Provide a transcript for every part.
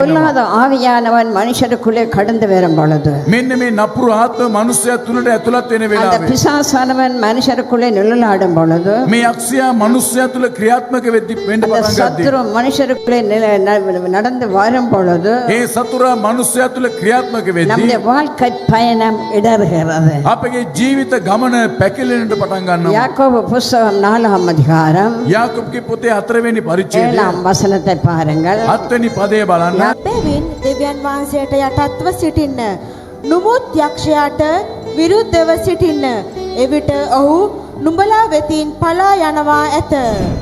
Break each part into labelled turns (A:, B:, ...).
A: பொல்லாத ஆவியானவன் மனுஷருக்குள்ளே கடந்து வரும் பொழுது
B: මෙන්න මේ නපුරු ආත්ම මනුස්සයා තුලට ඇතුළත් වෙන
A: அந்த
B: වෙලාවේ
A: பிசாசானவன் மனுஷருக்குள்ளே நிழலாடும் பொழுது
B: මේ යක්ෂයා මනුස්සයා තුල ක්‍රියාත්මක වෙන්න
A: அந்த
B: පටන් ගත්තේ.
A: சத்துரு மனுஷருக்குள்ளே நடந்து வரும் பொழுது
B: ඒ සතුරා මනුස්සයා තුල ක්‍රියාත්මක වෙද්දී
A: நம்முடைய வாழ்க்கை பயணம் இடறுகிறது.
B: අපගේ ජීවිත ගමන පැකිලෙන්නට පටන් ගන්නවා.
A: யாக்கோபு புஸ்தகம் 4ஆம் அதிகாரம்
B: යාකෝබ්ගේ පොතේ 4 වෙනි පරිච්ඡේදය
A: 7ஆம் வசனத்தை பாருங்கள்.
B: 7 වෙනි පදය බලන්න.
C: බැවින් දෙවියන් වහන්සේට යටත්ව සිටින්න. නුමුත් යක්ෂයාට විරුද්ධව සිටින්න. එවිට ඔහු නුඹලා වෙතින් පලා යනවා ඇත.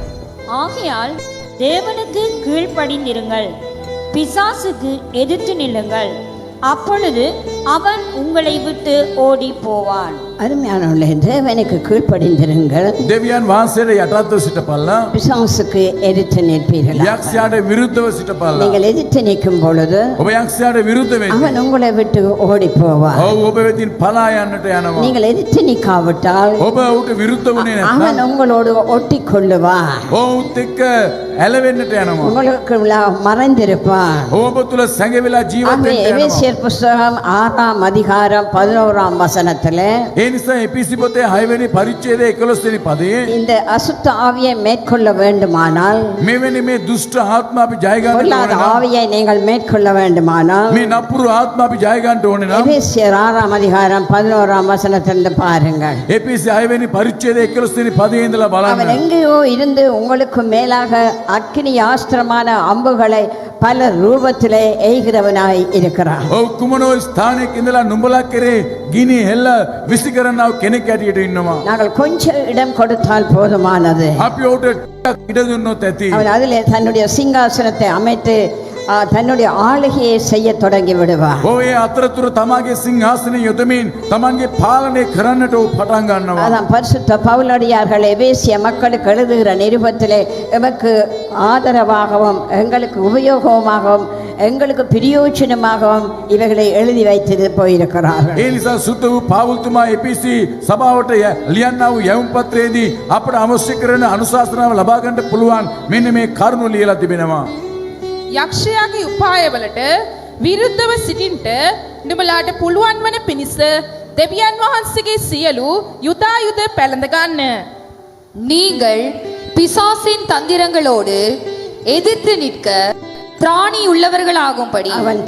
D: ஆகையால் தேவனுக்கு கீழ்ப்படிந்திருங்கள், பிசாசுக்கு எதிர்த்து நில்லுங்கள், அப்பொழுது அவன் உங்களை விட்டு ஓடி போவான்.
A: அருமையானவர்களே, தேவனுக்கு கீழ்ப்படிந்திருங்கள்,
B: දෙවියන් වහන්සේට යටත්ව සිටපල්ලා.
A: பிசாசுக்கு எதிர்த்து நிற்பீர்கள்.
B: යක්ෂයාට විරුද්ධව සිටපල්ලා.
A: நீங்கள் எதிர்த்து நிற்கும் பொழுது
B: ඔබ යක්ෂයාට විරුද්ධ වෙන්න.
A: அவன் உங்களை விட்டு ஓடி போவான்.
B: ඔව් ඔබ වෙතින් පලා යන්නට යනවා.
A: நீங்கள் எதிர்த்து நிற்காவிட்டால்
B: ඔබ ඌට විරුද්ධ වුණේ
A: அவன்
B: නැත්නම්
A: உங்களோடு ஒட்டி கொள்ளுவான்,
B: ඔවුත් එක්ක ඇලවෙන්නට යනවා.
A: உங்களுக்கு மறைந்திருப்பான்.
B: ඔබ තුල සැඟවිලා ජීවත්
A: ஆகவே
B: වෙන්න යනවා.
A: எபேசியர் புஸ்தகம் 6ஆம் அதிகாரம் 11ஆம் வசனத்திலே
B: ඒ නිසා එපිසි පොතේ 6 වෙනි පරිච්ඡේදයේ 11 වෙනි පදයේ
A: இந்த அசுத்த ஆவியை மேற்கொள்ள வேண்டுமானால்,
B: මෙවැනි මේ දුෂ්ට ආත්ම අපි ජය ගන්න
A: பொல்லாத
B: ඕනේ නම්
A: ஆவியை நீங்கள் மேற்கொள்ள வேண்டுமானால்
B: මේ නපුරු ආත්ම අපි ජය ගන්න ඕනේ නම්
A: எபேசியர் 6ஆம் அதிகாரம் 11ஆம் வசனத்திலிருந்து பாருங்கள்.
B: එපිසි 6 වෙනි පරිච්ඡේදයේ 11 වෙනි පදයේ ඉඳලා
A: அவன்
B: බලන්න.
A: எங்கேயோ இருந்து உங்களுக்கு மேலாக அக்கினி ஆஸ்திரமான அம்புகளை பல ரூபத்திலே எய்கிறவனாய் இருக்கிறான்.
B: ඔව් කුමනෝ ස්ථානයක ඉඳලා නුඹලා කෙරේ ගිනි හෙල්ල විසි කරනව කෙනෙක් ඇටියට ඉන්නවා.
A: நாங்கள் கொஞ்சம் இடம் கொடுத்தால் போதுமானது.
B: අපි ඔහුට ටිකක් ඉඩ දුන්නොත් ඇති.
A: அவன் அதிலே தன்னுடைய சிங்காசனத்தை அமைத்து தன்னுடைய ஆளுகையை செய்ய தொடங்கி விடுவான்.
B: ඔය අතරතුර තමාගේ සිංහාසනය යොදමින් තමන්ගේ පාලනය කරන්නට ඔහු පටන් ගන්නවා.
A: அதான் பரிசுத்த பவுலடியார்கள் எபேசிய மக்களுக்கு எழுதுகிற நிருபத்திலே எமக்கு ஆதரவாகவும் எங்களுக்கு உபயோகமாகவும் எங்களுக்கு பிரயோஜனமாகவும் இவைகளை எழுதி வைத்து போயிருக்கிறார்கள்.
B: ඒ නිසා සුද්ධ වූ පාවුල්තුමා එපිසි සභාවට ලියන්නා වූ යැවුම් පත්‍රයේදී අපට අවශ්‍ය කරන අනුශාසනාව ලබා ගන්නට පුළුවන් මෙන්න මේ කරුණු ලියලා තිබෙනවා.
E: යක්ෂයාගේ උපායවලට විරුද්ධව සිටින්ට නුඹලාට පුළුවන් වන පිණිස දෙවියන් වහන්සේගේ සියලු යුදායුධ පැළඳ ගන්න.
F: நீங்கள் பிசாசின் தந்திரங்களோடு எதிர்த்து நிற்க திராணி உள்ளவர்களாகும்படி
A: அவன்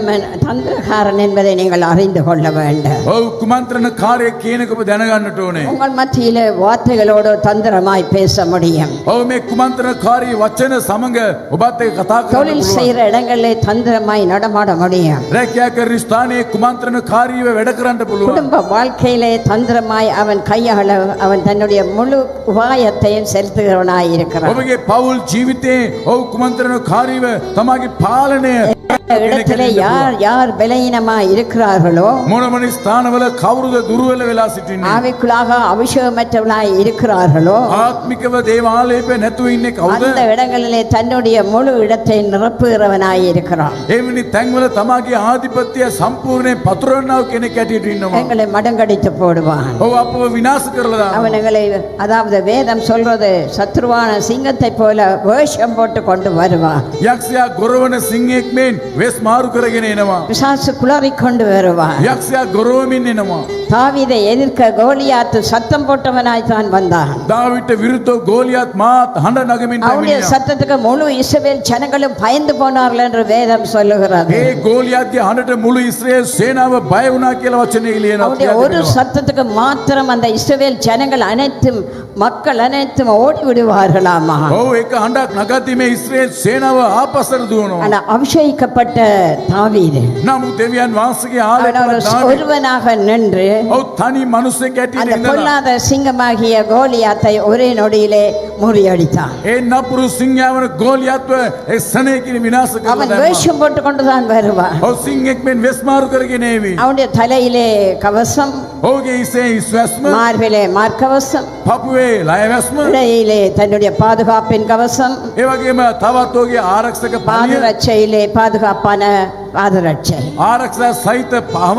A: தந்திரகாரன் என்பதை நீங்கள் அறிந்து கொள்ள வேண்டும்.
B: ඔව් කුමන්ත්‍රණකාරයෙක් කියනක ඔබ දැනගන්නට ඕනේ.
A: உங்கள் மத்தியிலே வார்த்தைகளோடு தந்திரமாய் பேச முடியும்.
B: ඔව් මේ කුමන්ත්‍රණකාරී වචන සමග ඔබත් එක්ක කතා කරන්න
A: தொழில்
B: පුළුවන්.
A: செய்கிற இடங்களிலே தந்திரமாய் நடமாட முடியும்.
B: රැකියා කරන ස්ථානයේ කුමන්ත්‍රණකාරීව වැඩ කරන්න පුළුවන්.
A: குடும்ப வாழ்க்கையிலே தந்திரமாய் அவன் கையாள அவன் தன்னுடைய முழு உபாயத்தையும் செலுத்துகிறவனாய் இருக்கிறான்.
B: ඔබගේ පවුල් ජීවිතේ ඔව් කුමන්ත්‍රණකාරීව තමාගේ පාලනය
A: இடத்திலே யார் யார் பலவீனமாய் இருக்கிறார்களோ,
B: මොනමනි ස්ථානවල කවුරුද දුර්වල වෙලා සිටින්නේ?
A: ஆவிக்குள்ளாக அபிஷேகமற்றவனாய் இருக்கிறார்களோ,
B: ආත්මිකව දේවාලයේ නැතුව ඉන්නේ කවුද?
A: அந்த இடங்களிலே தன்னுடைய முழு இடத்தை நிரப்புகிறவனாய் இருக்கிறான்.
B: එවැනි තැන්වල තමාගේ ආධිපත්‍යය සම්පූර්ණයෙන් පතුරවන්නව කෙනෙක් ඇටියට ඉන්නවා.
A: எங்களை மடங்கடித்து போடுவான்.
B: ඔව් අපව විනාශ කරලා දානවා.
A: அவன் எங்களை, அதாவது வேதம் சொல்றது, சத்ருவான சிங்கத்தை போல வேஷம் போட்டு கொண்டு வருவான்.
B: යක්ෂයා ගොරවන සිංහෙක් මෙන් වෙස් මාරු කරගෙන එනවා.
A: பிசாசு குளறி கொண்டு வருவான்.
B: යක්ෂයා ගොරවමින් එනවා.
A: தாவீதை எதிர்க்க கோலியாத்து சத்தம் போட்டவனாய் தான் வந்தான்.
B: දාවිට විරුද්ධව ගෝලියත් මාත් හඬ නගමින්
A: அவனுடைய
B: පැමිණියා.
A: சத்தத்துக்கு முழு இஸ்ரவேல் ஜனங்களும் பயந்து போனார்கள் என்று வேதம் சொல்லுகிறது.
B: ඒ ගෝලියත්ගේ හඬට මුළු ඉස්රායල් සේනාව බය වුණා කියලා වචනේ
A: அவனுடைய
B: ලියනවා.
A: ஒரு சத்தத்துக்கு மாத்திரம் அந்த இஸ்ரவேல் ஜனங்கள் அனைத்தும், மக்கள் அனைத்தும் ஓடி விடுவார்களாமா.
B: ඔව් ඒක හඬක් නගද්දි මේ ඉස්රායල් සේනාව ආපස්සට දුවනවා.
A: ஆனா அபிஷேகிக்கப்பட்ட தாவீது
B: නමුත් දෙවියන් වහන්සේගේ
A: அவன் ஒரு
B: ආලේපන
A: ஒருவனாக நின்று
B: ඔව් තනි මිනිසෙක්
A: அந்த
B: ඇටියට ඉඳලා
A: பொல்லாத சிங்கமாகிய கோலியாத்தை ஒரே நொடியிலே முறியடித்தான்.
B: ඒ නපුරු සිංහයවන ගෝලියත්ව ඒ සනේකින් විනාශ කරලා
A: அவன்
B: දැම්මා.
A: வேஷம் போட்டு கொண்டுதான் வருவான்.
B: ඔව් සිංහෙක් මෙන් වෙස් මාරු කරගෙන ඒවි.
A: அவனுடைய தலையிலே கவசம்,
B: ඔහුගේ ඉසේ ඉස්වැස්ම
A: மார்பிலே மார்க்கவசம்,
B: පපුවේ ලයවැස්ම
A: இடையிலே தன்னுடைய பாதுகாப்பின் கவசம்,
B: ඒ වගේම තවත් ඔහුගේ ආරක්ෂක පලිය
A: பாதரட்சையிலே பாதுகாப்பான பாதரட்சை,
B: ආරක්ෂා සහිත පහවන්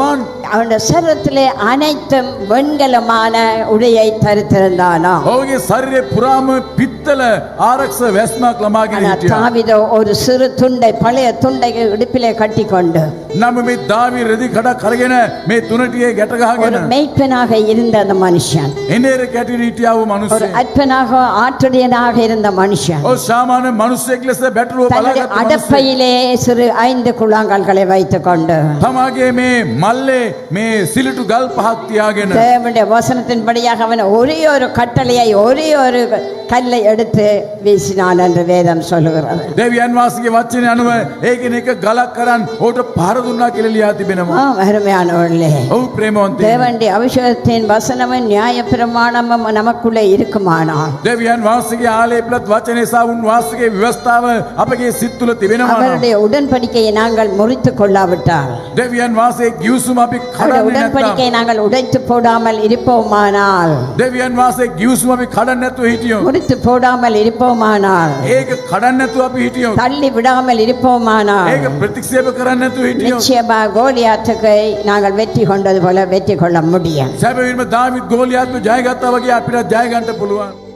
A: அவனுடைய சரீரத்திலே அனைத்தும் வெண்கலமான உடையை தரித்திருந்தானா.
B: ඔහුගේ ශරීරයේ පුරාම පිත්තල ආරක්ෂ වැස්මක් ලමාගෙන
A: ஆனா
B: හිටියා.
A: தாவீதோ ஒரு சிறு துண்டை பழைய துண்டை இடுப்பிலே கட்டிக்கொண்டு
B: නම මේ දාවි රෙදි කඩක් අරගෙන මේ තුනටියේ ගැට
A: ஒரு
B: ගහගෙන
A: மெய்ப்பனாக இருந்த அந்த மனுஷன்,
B: එනේර කැටි හිටියා වූ
A: ஒரு
B: මිනිස්සෙක්.
A: அற்பனாக ஆற்றுடையனாக இருந்த மனுஷன்
B: ඔව් සාමාන්‍ය මිනිස්සෙක් ලෙස බැටළුව
A: தன்னுடைய
B: බලාගත්ත මිනිස්සෙක්.
A: அடப்பையிலே சிறு 5 குழாங்கல்களை வைத்துக் கொண்டு
B: තමාගේ මේ මල්ලේ මේ සිලිටු ගල් පහක් තියාගෙන
A: தேவனுடைய வசனத்தின்படியாக அவன் ஒரே ஒரு கட்டளையை ஒரே ஒரு கல்லை எடுத்து வீசினான் என்று வேதம் சொல்லுகிறது.
B: දෙවියන් වහන්සේගේ වචනේ අනුව ඒකෙන එක ගලක් කරන් ඔහුට පහර දුන්නා කියලා ලියා තිබෙනවා.
A: அருமையானவர்களே,
B: ඔව් ප්‍රේමවන්තයි.
A: தேவனுடைய அபிஷேகத்தின் வசனமும் நியாய பிரமாணமும் நமக்குள்ளே இருக்குமானால்
B: දෙවියන් වහන්සේගේ ආලේපලත් වචනේ සහ උන් වහන්සේගේ ව්‍යවස්ථාව අපගේ සිත් තුළ තිබෙනවා.
A: அவருடைய உடன்படிக்கையை நாங்கள் முறித்துக் கொள்ளாவிட்டால்,
B: දෙවියන් වහන්සේ ගිවිසුම අපි
A: அவருடைய
B: කඩන්නේ නැත්නම්
A: உடன்படிக்கையை நாங்கள் உடைத்து போடாமல் இருப்போமானால்,
B: දෙවියන් වහන්සේ ගිවිසුම අපි කඩන්නේ නැතුව හිටියොත්
A: முறித்து போடாமல் இருப்போமானால்,
B: ඒක කඩන්නේ නැතුව අපි හිටියොත්
A: தள்ளி விடாமல் இருப்போமானால்,
B: ඒක ප්‍රතික්ෂේප කරන්නේ නැතුව හිටියොත්
A: நிச்சயமா கோலியாத்துக்கு நாங்கள் வெற்றி கொண்டது போல வெற்றி கொள்ள முடியும்.
B: සැබවින්ම දාවිද් ගෝලියාත්ව ජයගත්තා වගේ අපිට ජය ගන්න පුළුවන්.